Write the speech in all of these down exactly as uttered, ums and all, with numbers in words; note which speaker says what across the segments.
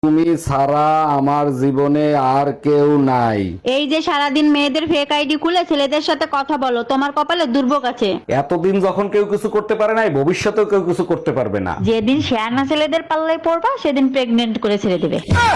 Speaker 1: তুমি ছাড়া আমার জীবনে আর কেউ নাই।
Speaker 2: এই যে সারাদিন মেয়েদের ফেক আইডি খুলে ছেলেদের সাথে কথা বলো, তোমার কপালে দুর্ভোগ আছে।
Speaker 1: এতদিন যখন কেউ কিছু করতে পারে নাই, ভবিষ্যতেও কেউ কিছু করতে পারবে না।
Speaker 2: যেদিন শেয়ানা ছেলেদের পাল্লায় পড়বা সেদিন প্রেগনেন্ট করে ছেড়ে দেবে।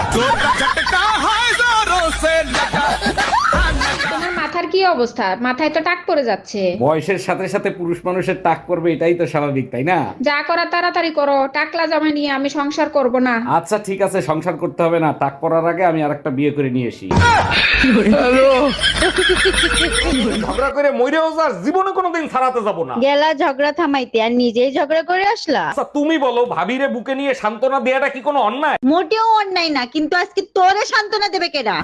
Speaker 3: তোমার মাথার কি অবস্থা? মাথায় তো টাক পড়ে যাচ্ছে।
Speaker 1: বয়সের সাথে সাথে পুরুষ মানুষের টাক করবে, এটাই তো স্বাভাবিক, তাই না?
Speaker 3: যা করা তাড়াতাড়ি করো, টাকলা জামা নিয়ে আমি সংসার করব না।
Speaker 1: আচ্ছা ঠিক আছে, সংসার করতে হবে না। টাক পড়ার আগে আমি আরেকটা বিয়ে করে নিয়ে আসি। ঝগড়া করে মইরেও যাস, জীবনে কোনোদিন ছাড়াতে যাব না।
Speaker 2: গেলা ঝগড়া থামাইতে আর নিজেই ঝগড়া করে আসলা।
Speaker 1: আচ্ছা তুমি বলো, ভাবিরে বুকে নিয়ে সান্ত্বনা দেয়াটা কি কোনো অন্যায়?
Speaker 2: মোটেও অন্যায় না, কিন্তু আজকে তোরে সান্ত্বনা দেবে কেডা?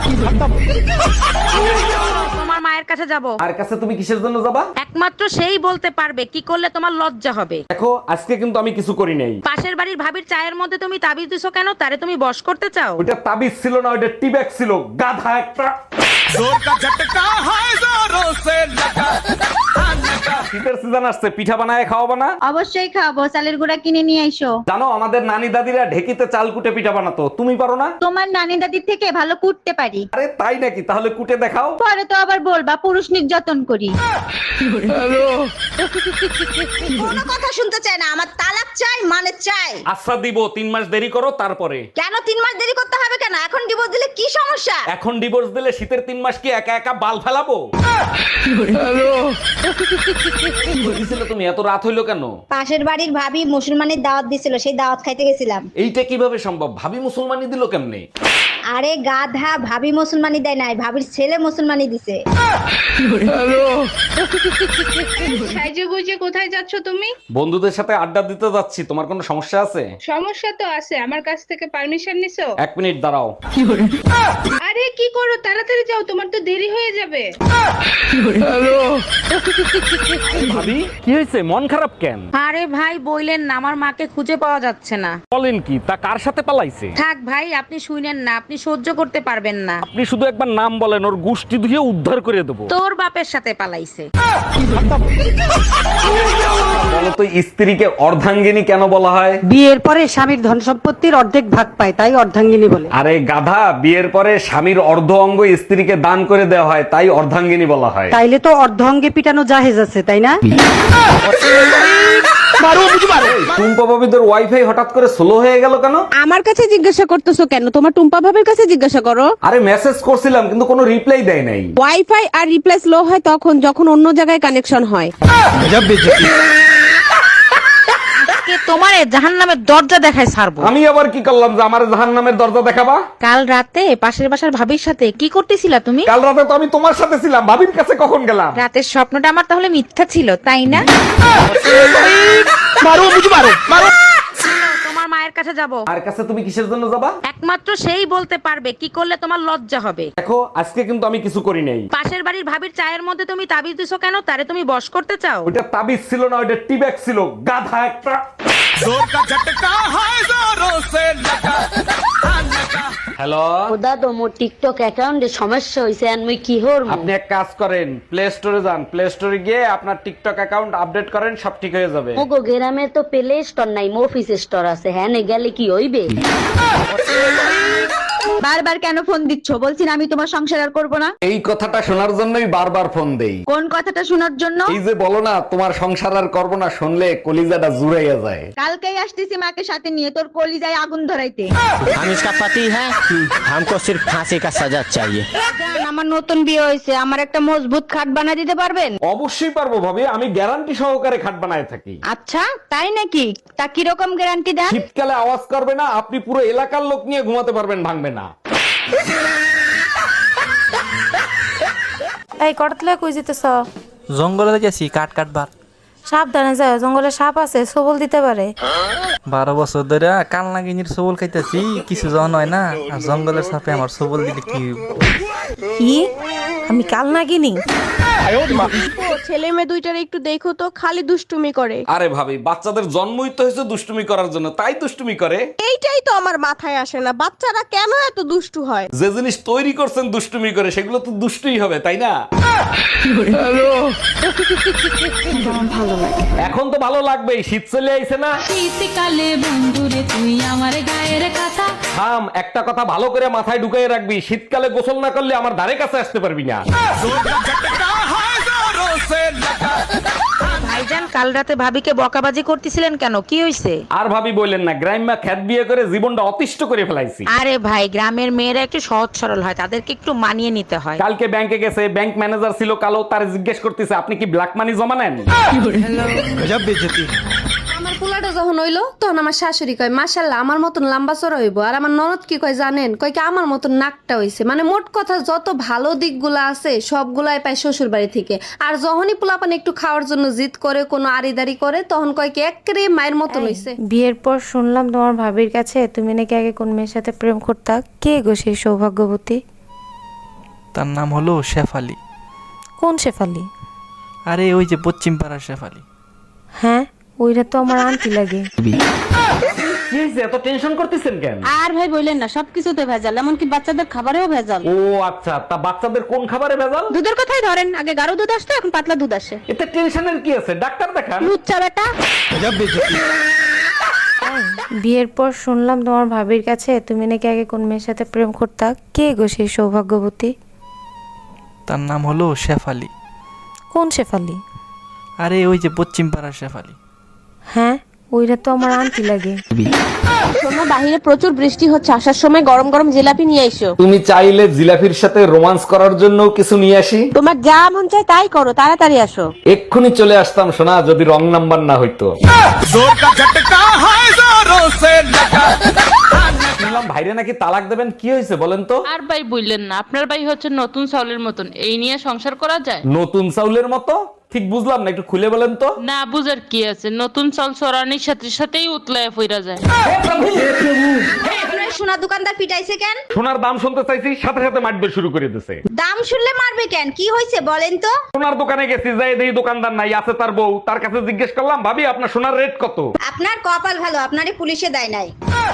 Speaker 4: তোমার মায়ের কাছে যাব।
Speaker 1: আর কাছে তুমি কিসের জন্য যাবা?
Speaker 4: একমাত্র সেই বলতে পারবে কি করলে তোমার লজ্জা হবে।
Speaker 1: দেখো আজকে কিন্তু আমি কিছু করি নাই।
Speaker 4: পাশের বাড়ির ভাবির চায়ের মধ্যে তুমি তাবিজ দিছো কেন? তারে তুমি বশ করতে চাও?
Speaker 1: ওইটা তাবিজ ছিল না, ওইটা টিব্যাগ ছিল, গাধা একটা। শীতের সিজন আসছে, পিঠা বানায় খাওয়াবো না?
Speaker 2: অবশ্যই খাবো, চালের গুঁড়া কিনে নিয়ে আইসো।
Speaker 1: জানো আমাদের নানি দাদিরা ঢেকিতে চাল কুটে পিঠা বানাতো, তুমি পারো না?
Speaker 2: তোমার নানি দাদির থেকে ভালো কুটতে পারি।
Speaker 1: আরে তাই নাকি? তাহলে কুটে দেখাও।
Speaker 2: পরে তো আবার বলবা পুরুষ নির্যাতন করি।
Speaker 5: কোনো কথা শুনতে চায় না, আমার তালাক চাই মানে চাই।
Speaker 1: আচ্ছা দিব, তিন মাস দেরি করো তারপরে।
Speaker 5: কেন তিন মাস দেরি করতে হবে কেন? এখন ডিভোর্স দিলে কি সমস্যা?
Speaker 1: এখন ডিভোর্স দিলে শীতের তিন মাস কি একা একা বাল ফেলাবো? বলছিলে তুমি, এত রাত হইলো কেন?
Speaker 5: পাশের বাড়ির ভাবি মুসলমানের দাওয়াত দিছিল, সেই দাওয়াত খাইতে গেছিলাম।
Speaker 1: এইটা কিভাবে সম্ভব? ভাবি মুসলমানি দিল কেমনে?
Speaker 5: আরে গাধা, ভাবি মুসলমানি দেয় নাই, ভাবির ছেলে মুসলমানি দিছে।
Speaker 3: সাইজে গুজে কোথায় যাচ্ছ তুমি?
Speaker 1: বন্ধুদের সাথে আড্ডা দিতে যাচ্ছি। তোমার কোনো সমস্যা আছে?
Speaker 3: সমস্যা তো আছে, আমার কাছ থেকে পারমিশন নিছো?
Speaker 1: এক মিনিট দাঁড়াও।
Speaker 3: আরে কি করো, তাড়াতাড়ি যাও, তোমার তো দেরি হয়ে যাবে।
Speaker 1: ভাবি কি হয়েছে, মন খারাপ কেন?
Speaker 4: আরে ভাই বইলেন না, আমার মাকে খুঁজে পাওয়া যাচ্ছে না।
Speaker 1: বলেন কি, তা কার সাথে পালাইছে?
Speaker 4: থাক ভাই, আপনি শুনেন না, আপনি সহ্য করতে পারবেন না।
Speaker 1: আপনি শুধু একবার নাম বলেন, ওর গুষ্টি ধুয়ে উদ্ধার করে দেবো।
Speaker 4: তোর বাপের সাথে পালাইছে।
Speaker 1: বলো তো, স্ত্রীকে অর্ধাঙ্গিনী কেন বলা হয়?
Speaker 6: বিয়ের পরে স্বামীর ধন সম্পত্তির অর্ধেক ভাগ পায়, তাই অর্ধাঙ্গিনী বলে।
Speaker 1: আরে গাধা, বিয়ের পরে স্বামীর অর্ধ অঙ্গ স্ত্রীকে দান করে দেওয়া হয়, তাই অর্ধাঙ্গিনী বলা হয়।
Speaker 6: তাইলে তো অর্ধ অঙ্গে পিটানো জাহেজ আছে, তাই না?
Speaker 1: টুম্পা ভাবিদের ওয়াইফাই হঠাৎ করে স্লো হয়ে গেল কেন?
Speaker 7: আমার কাছে জিজ্ঞাসা করতেছো কেন? তোমার টুম্পা ভাবের কাছে জিজ্ঞাসা করো।
Speaker 1: আরে মেসেজ করছিলাম কিন্তু কোনো রিপ্লাই দেয় নাই।
Speaker 7: ওয়াইফাই আর রিপ্লাই স্লো হয় তখন যখন অন্য জায়গায় কানেকশন হয়।
Speaker 4: কে তোমারে জাহান্নামের দরজা দেখায় ছাড়বো।
Speaker 1: আমি আবার কি করলাম যে আমার জাহান্নামের দরজা দেখাবা?
Speaker 4: কাল রাতে পাশের বাসার ভাবির সাথে কি করতেছিলা তুমি?
Speaker 1: কাল রাতে তো আমি তোমার সাথে ছিলাম, ভাবির কাছে কখন গেলাম?
Speaker 4: রাতের স্বপ্নটা আমার তাহলে মিথ্যা ছিল, তাই না? তোমার মায়ের কাছে যাব।
Speaker 1: আর কাছে তুমি কিসের জন্য যাবা?
Speaker 4: একমাত্র সেই বলতে পারবে কি করলে তোমার লজ্জা হবে।
Speaker 1: দেখো আজকে কিন্তু আমি কিছু করি নাই।
Speaker 4: পাশের বাড়ির ভাবির চায়ের মধ্যে তুমি তাবিজ দিছো কেন? তারে তুমি বশ করতে চাও?
Speaker 1: ওইটা তাবিজ ছিল না, ওইটা টিব্যাগ ছিল, গাধা একটা। হ্যালো
Speaker 8: দাদা, মোর টিকটক অ্যাকাউন্টে সমস্যা হইছে, আর মুই কি হর?
Speaker 1: আপনি এক কাজ করেন, প্লে স্টোরে যান, প্লে স্টোরে গিয়ে আপনার টিকটক অ্যাকাউন্ট আপডেট করেন, সব ঠিক হয়ে যাবে।
Speaker 8: মোগো গ্রামে তো প্লে স্টোর নাই, মফিস স্টোর আছে। হ্যাঁ, নে গেলে কি হইবে?
Speaker 2: বারবার কেন ফোন দিচ্ছ? বলছি না আমি তোমার সংসার আর করবো না।
Speaker 1: এই কথাটা শোনার জন্যই বারবার ফোন দেই।
Speaker 2: কোন কথাটা শোনার জন্য?
Speaker 1: এই যে বলো না তোমার সংসার আর করবো না, শুনলে কলিজাটা জুড়াইয়া যায়।
Speaker 2: কালকেই আসতেছি মাকে সাথে নিয়ে, তোর কলিজায় আগুন ধরাইতে।
Speaker 9: हम इसका पति है, हमको सिर्फ फांसी का सजा चाहिए।
Speaker 2: আমার নতুন বিয়ে হয়েছে, আমার একটা মজবুত খাট বানিয়ে দিতে পারবেন?
Speaker 1: অবশ্যই পারবো ভাবি, আমি গ্যারান্টি সহকারে খাট বানায় থাকি।
Speaker 2: আচ্ছা তাই নাকি? তা কিরকম গ্যারান্টি দেন?
Speaker 1: শীতকালে আওয়াজ করবে না, আপনি পুরো এলাকার লোক নিয়ে ঘুমাতে পারবেন, ভাঙবে না।
Speaker 10: এই কটলে কই যেতেছ?
Speaker 9: জঙ্গলে গেছি কাট কাটবার।
Speaker 10: সাবধানে যাও, জঙ্গলে সাপ আছে, সবল দিতে পারে।
Speaker 9: বারো বছর ধরে কাল নাগিনীর সবল খাইতেছি, কিছু জন হয় না, আর জঙ্গলের সাপে আমার সবল দিলে কি?
Speaker 10: কি? আমি কাল নাগিনি?
Speaker 7: ছেলে মেয়ে দুইটার একটু দেখো তো, খালি দুষ্টুমি করে।
Speaker 1: আরে ভাবি, বাচ্চাদের জন্মই তো হয়েছে দুষ্টুমি করার জন্য, তাই দুষ্টুমি করে।
Speaker 7: এইটাই তো আমার মাথায় আসে না, বাচ্চারা কেন এত দুষ্টু হয়?
Speaker 1: যে জিনিস তৈরি করছেন দুষ্টুমি করে, সেগুলো তো দুষ্টুই হবে, তাই না? এখন তো ভালো লাগবেই, শীত চলে আইছে না?
Speaker 4: শীতকালে বন্ধুরে তুই আমার গায়ের কথা
Speaker 1: থাম, একটা কথা ভালো করে মাথায় ঢুকাই রাখবি, শীতকালে গোসল না করলে আমার ধারে কাছে আসতে পারবি না।
Speaker 4: ভাইজান কাল রাতে ভাবিকে বকাবাজি করতেছিলেন কেন, কি হইছে?
Speaker 1: আর ভাবি বললেন না, গ্রাম্যা খ্যাত বিয়ে করে জীবনটা অতিষ্ঠ করে ফেলাইছি।
Speaker 4: আরে ভাই, গ্রামের মেয়েরা একটু সহজ সরল হয়, তাদেরকে একটু মানিয়ে নিতে হয়।
Speaker 1: কালকে ব্যাংকে গেছে, ব্যাংক ম্যানেজার ছিল কালো, তার জিজ্ঞেস করতেছে আপনি কি ব্ল্যাক মানি জমা নেন?
Speaker 7: আমার পোলাটা যখন হইলো তখন আমার শাশুড়ি কয় মাশাল্লাহ আমার মতন লম্বা চড়া হইব, আর আমার ননদ কি কয় জানেন, কয় কি আমার মতন নাকটা হইছে। মানে মোট কথা যত ভালো দিকগুলা আছে সবগুলাই পায় শ্বশুর বাড়ি থেকে। আর যখনই পোলাপান একটু খাওয়ার জন্য জিদ করে, কোনো আড়িদারি করে, তখন কয় কি একেবারে মায়ের মতন হইছে।
Speaker 10: বিয়ের পর শুনলাম তোমার ভাবির কাছে তুমি নাকি আগে কোন মেয়ের সাথে প্রেম করতা। কে গো সেই সৌভাগ্যবতী?
Speaker 9: তার নাম হলো শেফালি।
Speaker 10: কোন শেফালি?
Speaker 9: আরে ওই যে পশ্চিম পাড়ার শেফালি।
Speaker 10: হ্যাঁ, ওইটা তো আমার আন্টি লাগে।
Speaker 1: কি হয়েছে, এত টেনশন করতেছেন কেন?
Speaker 2: আর ভাই বললেন না, সবকিছুতে ভেজাল, এমনকি বাচ্চাদের খাবারেও ভেজাল।
Speaker 1: ও আচ্ছা, তা বাচ্চাদের কোন খাবারে ভেজাল?
Speaker 2: দুধের কথাই ধরেন, আগে গাঢ় দুধ আসতো, এখন পাতলা দুধ আসে।
Speaker 1: এতে টেনশনের কি আছে, ডাক্তার দেখান।
Speaker 2: লুচ্চা বেটা।
Speaker 10: বিয়ের পর শুনলাম তোমার ভাবির কাছে তুমি নাকি আগে কোন মেয়ের সাথে প্রেম করতা। কে গো সেই সৌভাগ্যবতী?
Speaker 9: তার নাম হলো শেফালি।
Speaker 10: কোন শেফালি?
Speaker 9: আরে ওই যে পশ্চিম পাড়ার শেফালি।
Speaker 10: হ্যাঁ, ওইটা তো আমার আন্টি লাগে।
Speaker 7: শোনো, বাহিরে প্রচুর বৃষ্টি হচ্ছে, আসার সময় গরম গরম জিলাপি নিয়ে এসো।
Speaker 1: তুমি চাইলে জিলাফির সাথে রোমান্স করার জন্য কিছু নিয়ে আসি?
Speaker 7: তোমার যা মন চায় তাই করো, তাড়াতাড়ি আসো।
Speaker 1: এক্ষুনি চলে আসতাম সোনা, যদি রং নাম্বার না হইতো। শুনলাম ভাইরে নাকি তালাক দেবেন, কি হয়েছে বলেন তো?
Speaker 11: আর ভাই বললেন না, আপনার ভাই হচ্ছে নতুন চাউলের মতন, এই নিয়ে সংসার করা যায়?
Speaker 1: নতুন চাউলের মতো? ঠিক বুঝলাম না, একটু খুলে বলেন তো।
Speaker 11: না বুঝার কি আছে, নতুন চাল চড়ানির সাথে সাথেই উতলায় ফিরা যায়।
Speaker 5: সোনা দোকানদার পিটাইছে কেন?
Speaker 1: সোনার দাম শুনতে চাইছি, সাথে সাথে মারবে শুরু করে দিছে।
Speaker 5: দাম শুনলে মারবে কেন? কি হয়েছে বলেন তো?
Speaker 1: সোনার দোকানে গেছি, যাই দেখি দোকানদার নাই, আছে তার বউ। তার কাছে জিজ্ঞেস করলাম ভাবি আপনার সোনার রেট কত?
Speaker 5: আপনার কপাল ভালো, আপনারই পুলিশে দেয় নাই।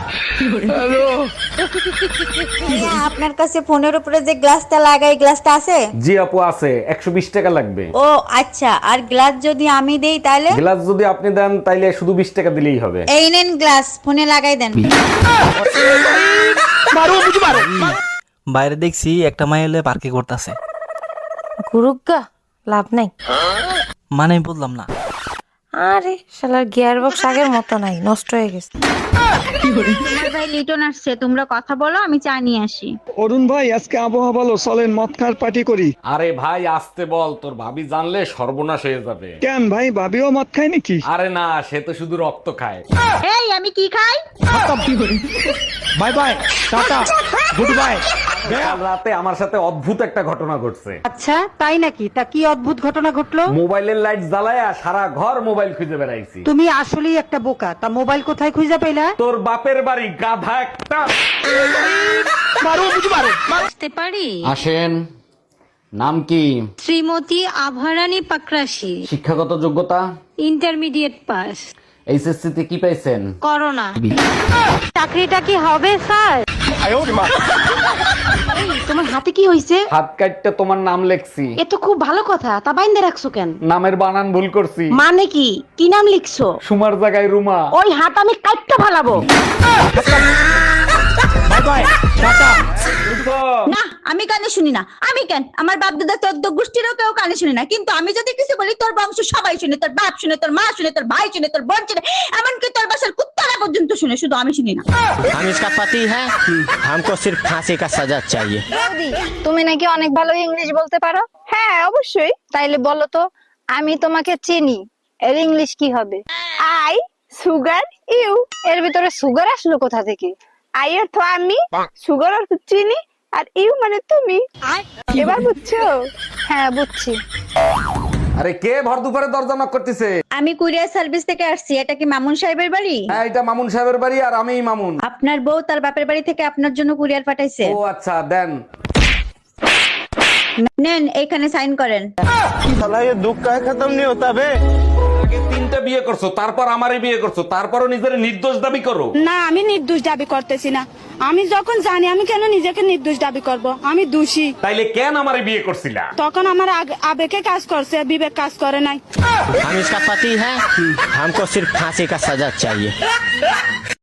Speaker 2: আপনার কাছে ফোনের উপরে যে গ্লাসটা লাগাই, গ্লাসটা আছে?
Speaker 1: জি আপু আছে, একশো বিশ টাকা লাগবে।
Speaker 2: ও আচ্ছা, আর গ্লাস যদি আমি দেই তাহলে?
Speaker 1: গ্লাস যদি আপনি দেন তাইলে শুধু বিশ টাকা দিলেই হবে।
Speaker 2: এই নেন গ্লাস, ফোনে লাগাই দেন।
Speaker 9: বাইরে দেখছি একটা মাইল পার্কে করতেছে।
Speaker 10: গুরুগা, লাভ নাই।
Speaker 9: মানে আমি বললাম না।
Speaker 10: আরে শালার গিয়ার বক্স আগের মতো নাই, নষ্ট হয়ে গেছে।
Speaker 2: তোমার ভাই লিটন আসছে, তোমরা কথা বলো, আমি চা নিয়ে আসি।
Speaker 12: অরুণ ভাই, আজকে আবহাওয়া ভালো, চলেন মদ খাওয়ার পার্টি করি।
Speaker 1: আরে ভাই আসতে বল, তোর ভাবি জানলে সর্বনাশ হয়ে যাবে।
Speaker 12: কেন ভাই, ভাবিও মদ খায় নাকি?
Speaker 1: আরে না, সে তো শুধু রক্ত খায়।
Speaker 2: এই আমি কি খাই?
Speaker 12: Bye bye, ta ta, good bye.
Speaker 1: কাল রাতে আমার সাথে অদ্ভুত একটা ঘটনা ঘটছে।
Speaker 6: আচ্ছা তাই নাকি? তা কি অদ্ভুত ঘটনা ঘটলো?
Speaker 1: মোবাইলের লাইট জ্বালায়া সারা ঘর মোবাইল খুঁজে বেড়াইছি।
Speaker 6: তুমি আসলেই একটা বোকা। তা মোবাইল কোথায় খুঁজে পেলা?
Speaker 1: তোর বাপের বাড়ি, গাধা একটা।
Speaker 2: আসতে পারি?
Speaker 1: আসেন। নাম কি?
Speaker 2: শ্রীমতী আভারানী পাকরাশি।
Speaker 1: শিক্ষাগত যোগ্যতা?
Speaker 2: Intermediate pass.
Speaker 1: এইচএসসি তে কি পাইছেন?
Speaker 2: করোনা। চাকরিটা কি হবে স্যার? তোমার হাতে কি হয়েছে?
Speaker 1: হাত কাটতে তোমার নাম লেখছি।
Speaker 2: এ তো খুব ভালো কথা, তা বাইন্দে রাখছো কেন?
Speaker 1: নামের বানান ভুল করছি।
Speaker 2: মানে কি? কি নাম লিখছো?
Speaker 1: সুমার জায়গায় রুমা।
Speaker 2: ওই হাত আমি কাটতে ফালাবো।
Speaker 12: By bye, tata.
Speaker 2: না, আমি কানে শুনি না। আমি কেন, আমার বাপ দাদা চোদ্দ গোষ্ঠীরও কেউ কানে শুনি না, কিন্তু আমি যদি কিছু বলি তোর বংশ সবাই শুনে, তোর বাপ শুনে, তোর মা শুনে, তোর ভাই শুনে, তোর বোন শুনে, এমনকি তোর বাসার কুত্তারা পর্যন্ত শুনে, শুধু আমি শুনি না।
Speaker 13: हम इसका पति है, हमको सिर्फ फांसी का सजा चाहिए।
Speaker 5: তুমি নাকি অনেক ভালো ইংলিশ বলতে পারো? হ্যাঁ অবশ্যই। তাইলে বলো তো, আমি তোমাকে চিনি, এর ইংলিশ কি হবে? I sugar you. এর ভিতরে সুগার আসলো কোথা থেকে? আই অর্থ আমি, সুগার অর্থ চিনি, আর ইউ মানে তুমি। এবার বুঝছো? হ্যাঁ বুঝছি।
Speaker 1: আরে কে ভর দুপুরে দরজা নক করতেছে?
Speaker 2: আমি কুরিয়ার সার্ভিস থেকে আসছি। এটা কি মামুন সাহেবের বাড়ি?
Speaker 1: হ্যাঁ, এটা মামুন সাহেবের বাড়ি, আর আমিই মামুন।
Speaker 2: আপনার বউ তার বাপের বাড়ি থেকে আপনার জন্য কুরিয়ার পাঠাইছে।
Speaker 1: ও আচ্ছা, দেন।
Speaker 2: নেন, এখানে সাইন করেন।
Speaker 12: साला ये दुख का खत्म नहीं होता बे।
Speaker 1: আগে তিনটা বিয়ে করছো, তারপর আমারই বিয়ে করছো, তারপরও নিজের নির্দোষ দাবি করো।
Speaker 3: না, আমি নির্দোষ দাবি করতেছি না। আমি যখন জানি, আমি কেন নিজেকে নির্দোষ দাবি করব? আমি দোষী।
Speaker 1: তাইলে কেন আমারে বিয়ে করছিলা?
Speaker 3: তখন আমার আগ- আবেগে কাজ করছে, বিবেক কাজ করে নাই।
Speaker 13: हम इसका पति है, हमको सिर्फ फांसी का सजा चाहिए।